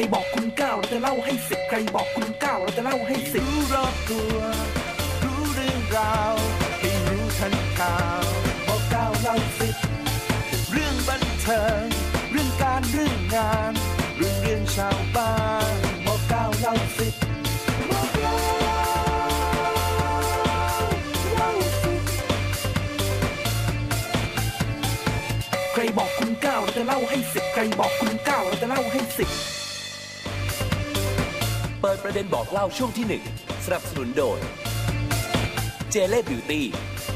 บอกคุณ9เราจะเล่าให้10ใครบอกคุณ9เราจะเล่าให้10รู้รอบตัวรู้เรื่องราวให้รู้ทันข่าวบอก9เล่า10เรื่องบันเทิงเรื่องการเรื่องงานเรื่องชาวบ้านบอก9เล่า10บอก9เล่า10ใครบอกคุณ9เราจะเล่าให้10ใครบอกคุณ9เราจะเล่าให้10 เปิดประเด็นบอกเล่าช่วงที่1สนับสนุนโดยเจเล่บิวตี้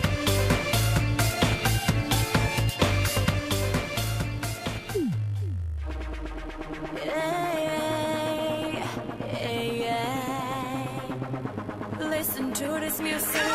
Listen to this music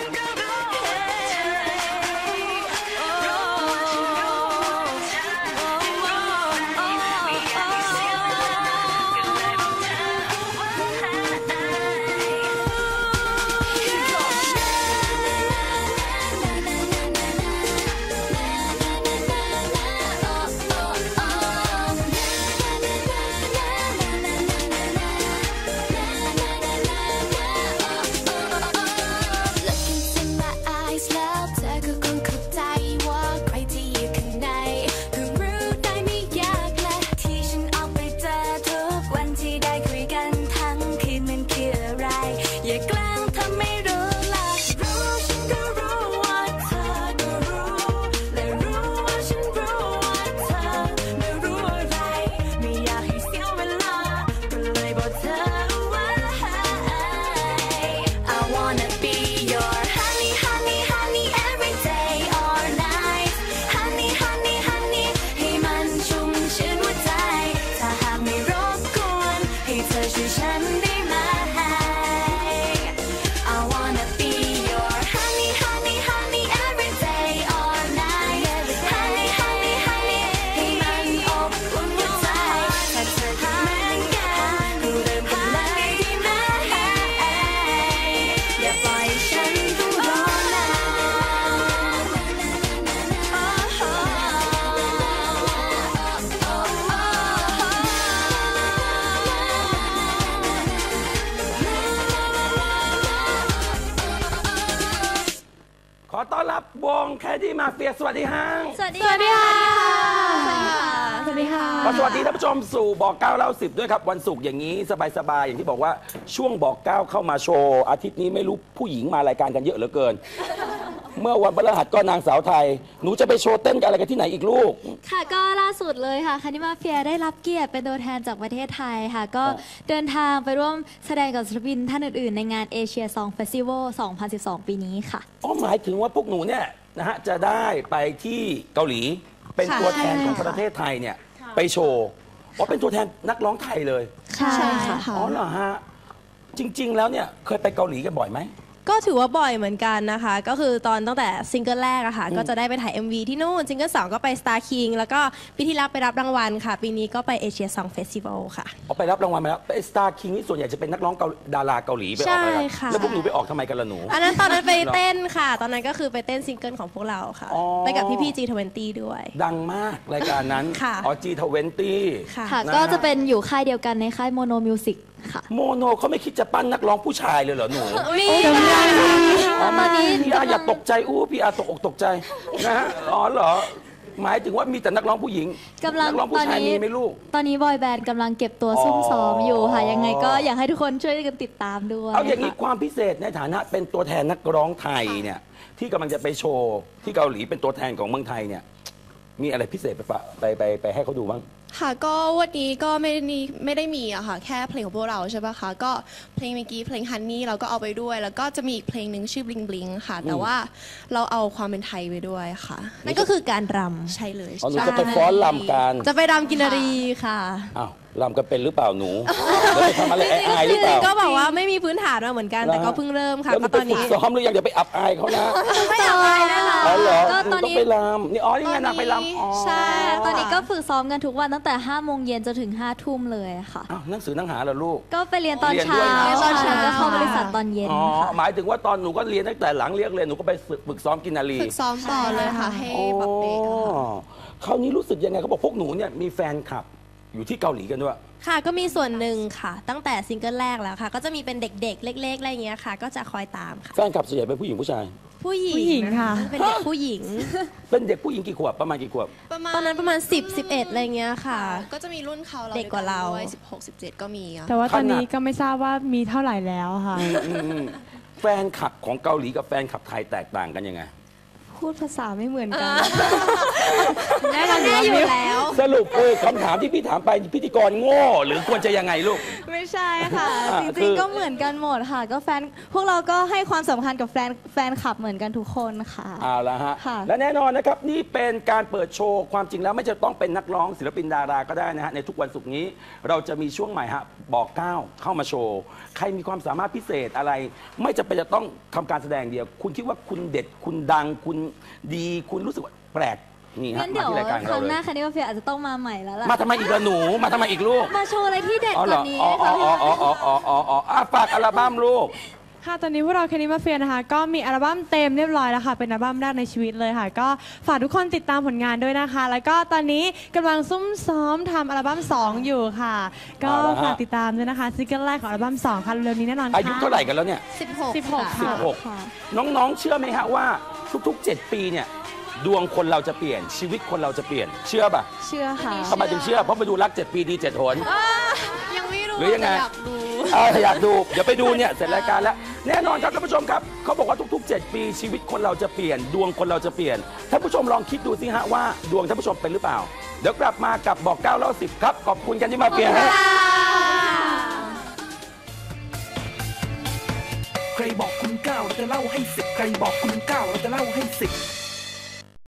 ขอต้อนรับวงแคดดี้มาเฟียสวัสดีฮะสวัสดีค่ะสวัสดีค่ะสวัสดีค่ะสวัสดีท่านผู้ชมสู่บอก9เล่า10ด้วยครับวันศุกร์อย่างนี้สบายๆอย่างที่บอกว่าช่วงบอก9เข้ามาโชว์อาทิตย์นี้ไม่รู้ผู้หญิงมารายการกันเยอะเหลือเกินเมื่อวันพฤหัสก็นางสาวไทยหนูจะไปโชว์เต้นกันอะไรกันที่ไหนอีกลูกค่ะก็ล่าสุดเลยค่ะแคดดี้มาเฟียได้รับเกียรติเป็นตัวแทนจากประเทศไทยค่ะก็เดินทางไปร่วมแสดงกับศิลปินท่านอื่นๆในงานเอเชียซองเฟสติวัล2012ปีนี้ค่ะอ๋อหมายถึงว่าพวกหนูเนี่ยนะฮะจะได้ไปที่เกาหลีเป็นตัวแทนของประเทศไทยเนี่ยไปโชว์อ๋อเป็นตัวแทนนักร้องไทยเลยใช่ค่ะอ๋อเหรอฮะจริงๆแล้วเนี่ยเคยไปเกาหลีกันบ่อยไหมก็ถือว่าบ่อยเหมือนกันนะคะก็คือตั้งแต่ซิงเกิลแรกอะค่ะก็จะได้ไปถ่าย MV ที่นู่นซิงเกิล2ก็ไป Star King แล้วก็ปีที่แล้วไปรับรางวัลค่ะปีนี้ก็ไปเอเชียซองเฟสติวัลค่ะไปรับรางวัลมาแล้วไป Star King นี่ส่วนใหญ่จะเป็นนักร้องดาราเกาหลีไปออกอะไรแล้วพวกหนูไปออกทำไมกันล่ะหนูตอนนั้นไปเต้นค่ะตอนนั้นก็คือไปเต้นซิงเกิลของพวกเราค่ะไปกับพี่ๆ G20 ด้วยดังมากรายการนั้นอ๋อ G20 ค่ะก็จะเป็นอยู่ค่ายเดียวกันในค่ายโมโนมิวสิกโมโนเขาไม่คิดจะปั้นนักร้องผู้ชายเลยเหรอหนูมีตอนนี้พี่อาอย่าตกใจพี่อาตกอกตกใจนะฮะอ๋อเหรอหมายถึงว่ามีแต่นักร้องผู้หญิงนักร้องผู้ชายมีไหมลูกตอนนี้บอยแบนด์กำลังเก็บตัวซุ่มซ้อมอยู่ค่ะยังไงก็อยากให้ทุกคนช่วยกันติดตามด้วยเอาอย่างนี้ความพิเศษในฐานะเป็นตัวแทนนักร้องไทยเนี่ยที่กำลังจะไปโชว์ที่เกาหลีเป็นตัวแทนของเมืองไทยเนี่ยมีอะไรพิเศษไปให้เขาดูบ้างค่ะก็วันนี้ก็ไม่ได้มีอะค่ะแค่เพลงของพวกเราใช่ปะคะก็เพลงเมื่อกี้เพลงฮันนี่เราก็เอาไปด้วยแล้วก็จะมีอีกเพลงหนึ่งชื่อบลิงบลิงค่ะแต่ว่าเราเอาความเป็นไทยไปด้วยค่ะนั่นก็คือการรำใช่เลยหนูจะไปฟ้อนรำกันจะไปรำกินรีค่ะอ้าวรำกันเป็นหรือเปล่าหนูแล้วไปทำอะไรอายหรือเปล่าก็บอกว่าไม่มีพื้นฐานมาเหมือนกันแต่ก็เพิ่งเริ่มค่ะก็ตอนนี้ซ้อมหรือยังเดี๋ยวไปอับอายเขานะไม่อับอายนะคะก็ตอนนี้ต้องไปรำนี่นี่ไงนางไปรำใช่ตอนนี้ก็ฝึกซ้อมกันทุกวันตั้งแต่5 โมงเย็นจนถึง5 ทุ่มเลยค่ะหนังสือหนังหาเหรอลูกก็ไปเรียนตอนเช้าก็เข้าบริษัทตอนเย็นหมายถึงว่าตอนหนูก็เรียนตั้งแต่หลังเรียนหนูก็ไปฝึกซ้อมกินนารีฝึกซ้อมต่อเลยค่ะให้แบบเด็กคราวนี้รู้สึกยังไงเขาบอกพวกหนูเนี่ยมีแฟนคลับอยู่ที่เกาหลีกันด้วยค่ะก็มีส่วนหนึ่งค่ะ ตั้งแต่ซิงเกิลแรกแล้วค่ะ ก็จะมีเป็นเด็กๆ เล็กๆอะไรอย่างเงี้ยค่ะ ก็จะคอยตามค่ะแฟนคลับส่วนใหญ่เป็นผู้หญิงผู้ชายผู้หญิงผู้หญิงค่ะเป็นเด็กผู้หญิงเป็นเด็กผู้หญิงกี่ขวบประมาณกี่ขวบตอนนั้นประมาณ 10-11อะไรเงี้ยค่ะก็จะมีรุ่นเขาเด็กกว่าเราด้วย16-17 ก็มีอะแต่ว่าตอนนี้ก็ไม่ทราบว่ามีเท่าไหร่แล้วค่ะแฟนคลับของเกาหลีกับแฟนคลับไทยแตกต่างกันยังไงพูดภาษาไม่เหมือนกันแน่นอนอยู่แล้วสรุปคำถามที่พี่ถามไปพิธีกรโง่หรือควรจะยังไงลูกไม่ใช่ค่ะอ่ะจคืริงอๆก็เหมือนกันหมดค่ะ ก็พวกเราก็ให้ความสำคัญกับแฟนคลับเหมือนกันทุกคนค่ะเอาละฮะค่ะและแน่นอนนะครับนี่เป็นการเปิดโชว์ความจริงแล้วไม่จะต้องเป็นนักร้องศิลปินดาราก็ได้นะฮะในทุกวันศุกร์นี้เราจะมีช่วงใหม่ฮะบอกเก้าเข้ามาโชว์ใครมีความสามารถพิเศษอะไร ไม่จำเป็นจะต้องทำการแสดงเดียว คุณคิดว่าคุณเด็ดคุณดังคุณดีคุณรู้สึกว่าแปลกนี่ฮะงั้นมาเดี๋ยวที่รายการคเรารั้งเลหน้าย คันนี้มาเฟียอาจจะต้องมาใหม่แล้วล่ะมาทำไมอีกละหนูมาทำไมอีกลูกมาโชว์อะไรที่เด็ดอ๋อก เหรว่าอนี้อ๋อค่ะอ๋ออ๋ออ๋ออ๋ออ๋ออ๋ออ่ะฝากอัลบั้มลูกค่ะตอนนี้พวกเราแคนิมาเฟียนะคะ ก็มีอัลบั้มเต็มเรียบร้อยแล้วค่ะ เป็นอัลบั้มแรกในชีวิตเลยค่ะ ก็ฝากทุกคนติดตามผลงานด้วยนะคะ แล้วก็ตอนนี้กำลังซุ่มซ้อมทำอัลบั้ม 2 อยู่ค่ะ ก็เอาละฮะฝากติดตามด้วยนะคะซิงเกิลแรกของอัลบั้ม 2 ค่ะเร็วๆนี้แน่นอนค่ะอายุเท่าไหร่กันแล้วเนี่ย 16 ค่ะ 16 น้องๆ เชื่อไหมฮะว่าทุกๆ 7 ปีเนี่ยดวงคนเราจะเปลี่ยนชีวิตคนเราจะเปลี่ยนเชื่อป่ะเชื่อค่ะทำไมถึงเชื่อเพราะไปดูรัก 7 ปีดี 7 หนยังไม่รู้หรือยังไงแต่อยากดูอยากดูเดี๋ยวไปดูเนี่ยเสร็จรายการแล้วแน่นอนครับท่านผู้ชมครับเขาบอกว่าทุกๆ 7 ปีชีวิตคนเราจะเปลี่ยนดวงคนเราจะเปลี่ยนท่านผู้ชมลองคิดดูสิฮะว่าดวงท่านผู้ชมเป็นหรือเปล่าเดี๋ยวกลับมากับบอก9เล่า10ครับขอบคุณกันที่มาเปลี่ยนฮะใครบอกคุณ9เราจะเล่าให้10ใครบอกคุณ9เราจะเล่าให้10